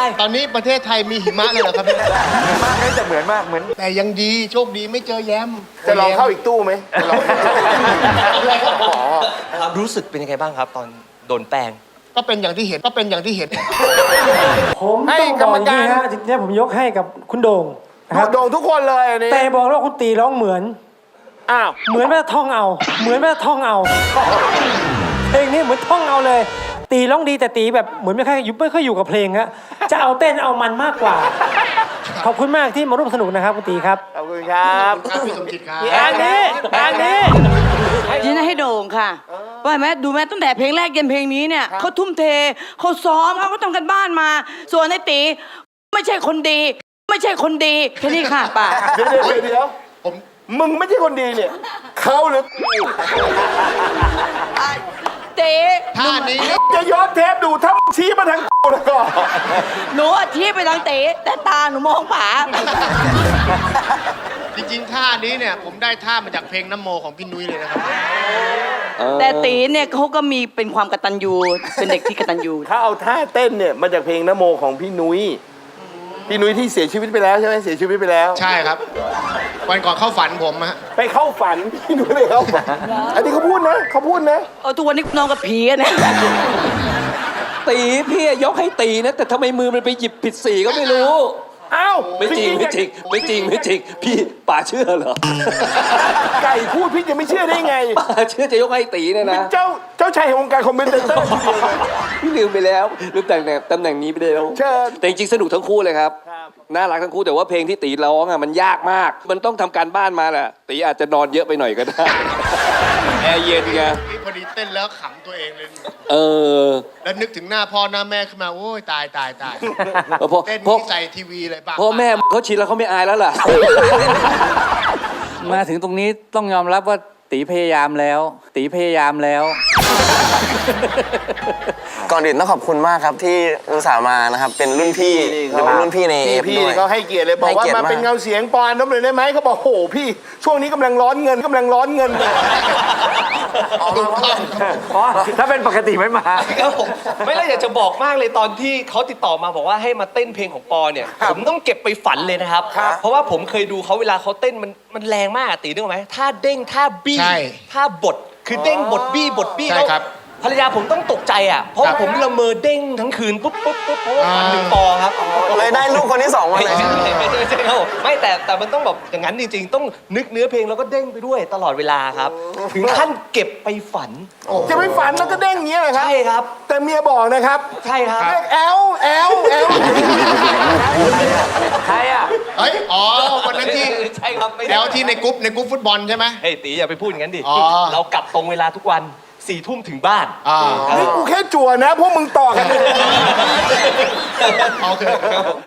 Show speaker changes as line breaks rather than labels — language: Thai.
ตอนนี้ประเทศไทยมีหิมะเลยเหรอครับพี่
มากเลยจะเหมือนมากเหมือน
แต่ยังดีโชคดีไม่เจอแย้ม
จะลองเข้าอีกตู้ไหมจะลอง
ความรู้สึกเป็นยังไงบ้างครับ ตอนโดนแป้ง
ก็เป็นอย่างที่เห็นก็เป็นอย่างที่เห็น
ผมต้องบอกอย่างนี้ฮะทีนี้ผมยกให้กับคุณโด่งนะครับ
โด่งทุกคนเลยอันนี้
แต่บอกว่าคุณตีร้องเหมือน
อ้าว
เหมือนแม่ท่องเอา เหมือนแม่ท่องเอาเพลงนี้เหมือนท่องเอาเลย ตีร้องดีแต่ตีแบบเหมือนไม่ค่อยอยู่กับเพลงฮะจะเอาเต้นเอามันมากกว่า ขอบคุณมากที่มาร่วมสนุกนะครับคุณตีครับ
ขอบคุณครับ
ครับพี่สมจิตครับ
แอนนี้แอนนี้
ยินให้โด่งค่ะว่าไหมดูแม่ตั้งแต่เพลงแรกยันเพลงนี้เนี่ยเขาทุ่มเทเขาซ้อมเขาก็ทำกันบ้านมา ส่วนไอ้ตีไม่ใช่คนดี ไม่ใช่คนดีแค่นี้ค่ะป่า
เดี๋ยวมึงไม่ใช่คนดีเนี่ยเขาหรือ
ตี
ท่านี้
จะย้อนเทปดูถ้ามึงชี้มาทางกูแล้วก็
หนูอาชี้ไปทางตีแต่ตาหนูมองป่า
จริงๆท่านี้เนี่ยผมได้ท่ามาจากเพลงน้ำโมของพี่นุ้ยเลยนะครับ
แต่ตีเนี่ยเขาก็มีเป็นความกตัญญูเป็นเด็กที่กตัญญู
ถ้าเอาท่าเต้นเนี่ยมาจากเพลงนโมของพี่นุ้ยพี่นุ้ยที่เสียชีวิตไปแล้วใช่ไหมเสียชีวิตไปแล้ว
ใช่ครับ วันก่อนเข้าฝันผมฮะ
ไปเข้าฝันพี่นุ้ยไปเข้าฝันอันนี้เขาพูดนะเขาพูดนะ
ทุกวันนี้นอนกับผีอะเนี่ย
ตีพี่ยกให้ตีนะ แต่ทำไมมือมันไปหยิบผิดสีก็ไม่รู้
อ้าว
ไม่จริงไม่จริงไม่จริงไม่จริง พี่ป่าเชื่อเหรอ
ไก่พูดพี่จะไม่เชื่อได้ไง
ป่าเชื่อจะยกให้ตีเนี่ยนะ
เจ้าชายแห่งวงการคอมเมนเตอร์
พี่ลืมไปแล้วลืมตำแหน่งนี้ไปแล้ว
เชิญ
แต่จริงๆสนุกทั้งคู่เลยครับน่ารักทั้งคู่แต่ว่าเพลงที่ตีร้องอ่ะมันยากมาก มันต้องทำการบ้านมาแหละตีอาจจะนอนเยอะไปหน่อยก็ได้แอร์เย็นไง
นี่พอดีเต้นแล้วขำตัวเองเลย
เออ
แล้วนึกถึงหน้าพ่อหน้าแม่ขึ้นมาโอ้ยตาย
พอ
เต้น
พอ
นี่ใส่ทีวีเลยป่ะ
พ่อแม่เขาชินแล้วเขาไม่อายแล้วล่ะ
มาถึงตรงนี้ต้องยอมรับว่าตีพยายามแล้ว ตีพยายามแล้ว
ก่อนอื่นต้องขอบคุณมากครับที่อุตส่าห์มานะครับ เป็นรุ่นพี่เป็นรุ่นพี่ในเอฟ
พี่
ด้วย
ก็ให้เกียรติเลยบอกว่า
ให้เกียรติ
มาเป็น
มาก
เงาเสียงปอนน้ำเลยได้ไหมเขาบอกโหพี่ช่วงนี้กำลังร้อนเงิน
ถ้าเป็นปกติไม่มา
ครับผมไม่ได้อยากจะบอกมากเลยตอนที่เขาติดต่อมาบอกว่าให้มาเต้นเพลงของปอเนี่ยผมต้องเก็บไปฝันเลยนะครับ เพราะว่าผมเคยดูเขาเวลาเขาเต้นมันแรงมากอะตีนึกออกไหมท่าเด้งท่าบี้
ใช่
ท่าบดคือเด้งบดบี้บดบี้
ใช่
แล้ว
ครับ
ภรรยาผมต้องตกใจอ่ะเพราะว่าผมละเมอเด้งทั้งคืนปุ๊บเพราะว่าฝันถึงปอครับ
เลยได้ลูกคนที่สองมา
ไม่
เลย
ใช่ครับผมไม่แต่มันต้องแบบอย่างนั้นจริงๆ ต้องนึกเนื้อเพลงแล้วก็เด้งไปด้วยตลอดเวลาครับ ถึงขั้นเก็บไปฝัน
จะไม่ฝันแล้วก็เด้งอย่างเงี้ยเหรอครับ
ใช่ครับ
แต่เมียบอกนะครับ
ใช่ครับ
เรียกแอล
ใครอ่ะ
เฮ้ยอ๋อวันนั้นที่
ใช่ครับไม่ได้
แล้วที่ในกรุ๊ปฟุตบอลใช่ไหม
เฮ้ยตีอย่าไปพูดอย่างนั้นดิ
อ๋อ
เรากลับตรงเวลาทุกวัน4 ทุ่มถึงบ้าน
นี่กูแค่จั่วนะพวกมึงต่อกันเลย
โอเค